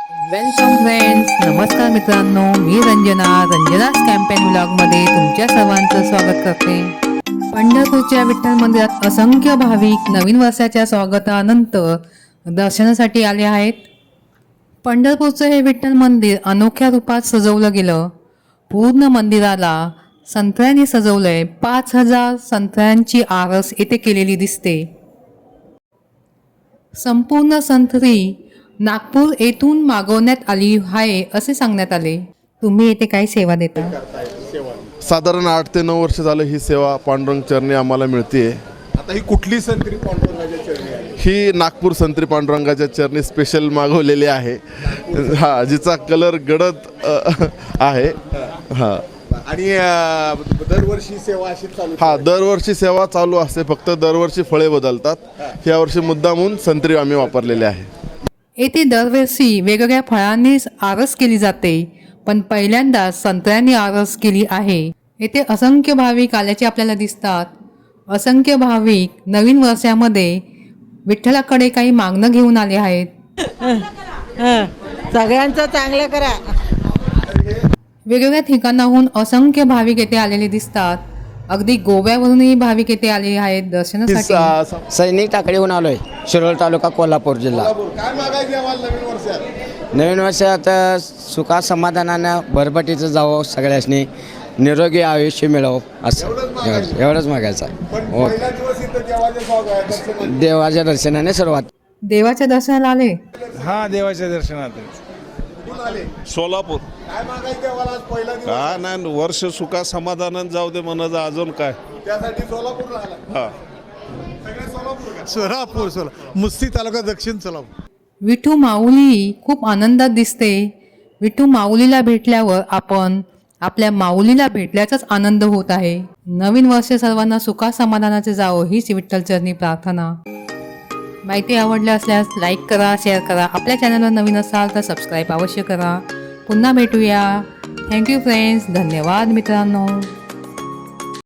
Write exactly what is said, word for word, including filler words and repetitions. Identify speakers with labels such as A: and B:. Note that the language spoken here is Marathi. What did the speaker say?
A: वेलकम फ्रेंड्स, नमस्कार मित्रांनो, मी रंजना रंजनास कॅम्पेन व्लॉगमध्ये तुमच्या सर्वांचं स्वागत करते. पंढरपूरच्या विठ्ठल मंदिरात असंख्य भाविक नवीन वर्षाच्या स्वागतानंतर दर्शनासाठी आले आहेत. पंढरपूरचं हे विठ्ठल मंदिर अनोख्या रूपात सजवलं गेलं. पूर्ण मंदिराला संत्र्यांनी सजवलंय. पाच हजार संत्र्यांची आरस येथे केलेली दिसते. संपूर्ण संत्री नागपूर येथून मागवण्यात आली आहे असे सांगण्यात आले. तुम्ही येथे काय सेवा देता?
B: साधारण आठ ते नऊ वर्ष झालं ही सेवा पांडुरंग चरणी आम्हाला मिळते.
C: आता ही कुठली संत्री पांडुरंगाच्या चरणी आहे?
B: ही नागपूर संत्री पांडुरंगाच्या चरणी स्पेशल मागवलेली आहे. हा, जिचा कलर गडद अ, आहे. हा
C: आणि अ, दरवर्षी सेवा अशी चालू
B: हा दरवर्षी सेवा चालू असते, फक्त दरवर्षी फळे बदलतात. यावर्षी मुद्दामून संत्री आम्ही वापरलेले आहे.
A: येथे दरवर्षी वेगवेगळ्या फळांनी आरस केली जाते, पण पहिल्यांदा संत्र्यांनी आरस केली आहे. येथे असंख्य भाविक आल्याचे आपल्याला दिसतात. असंख्य भाविक नवीन वर्षामध्ये विठ्ठलाकडे काही मागणं घेऊन आले आहेत.
D: सगळ्यांचं चांगलं करा.
A: वेगवेगळ्या ठिकाणाहून असंख्य भाविक येथे आलेले दिसतात. अगदी गोव्यावरूनही भाविक येथे आले आहेत दर्शनासाठी.
B: सा-
E: सैनिक टाकडीहून आलोय, शिरोळ तालुका, कोल्हापूर जिल्हा.
C: काय मागायचे आम्हाला नवीन वर्षात?
E: नवीन वर्षात सुखा समाधानानं भरभटीचं जावं, सगळ्यांनी निरोगी आयुष्य मिळावं, असं एवढं- एवढंच मागायचं आहे.
C: पण
E: हो,
C: पहिला दिवस इथं देवाच्या स्वागत दर्शनात.
E: देवाच्या दर्शनाने सुरुवात.
A: देवाच्या दर्शनाला आले.
F: हा, देवाच्या दर्शनात.
C: कुठून आले?
G: सोलापूर.
C: काय मागायचे आम्हाला आज पहिला दिवस?
G: का नाही, वर्ष सुखा समाधानात जाऊ दे म्हणायचं, अजून काय.
C: त्यासाठी सोलापूरला आला.
G: हा
C: सगळे सोलापूर का?
F: सोलापूर सोला मुस्ती तालुका, दक्षिण सोलापूर.
A: विठू माऊली खूप आनंदात दिसते. विठू माऊलीला भेटल्यावर आपण आपल्या माऊलीला भेटल्याचाच आनंद होत आहे. नवीन वर्ष सर्वांना सुखा समाधानाचे जावो हीच विठ्ठलचरणी प्रार्थना. माहिती आवडली असल्यास लाईक करा, शेअर करा. आपल्या चॅनलवर नवीन असाल तर सबस्क्राईब अवश्य करा. पुन्हा भेटूया. Thank you friends. धन्यवाद मित्रांनो.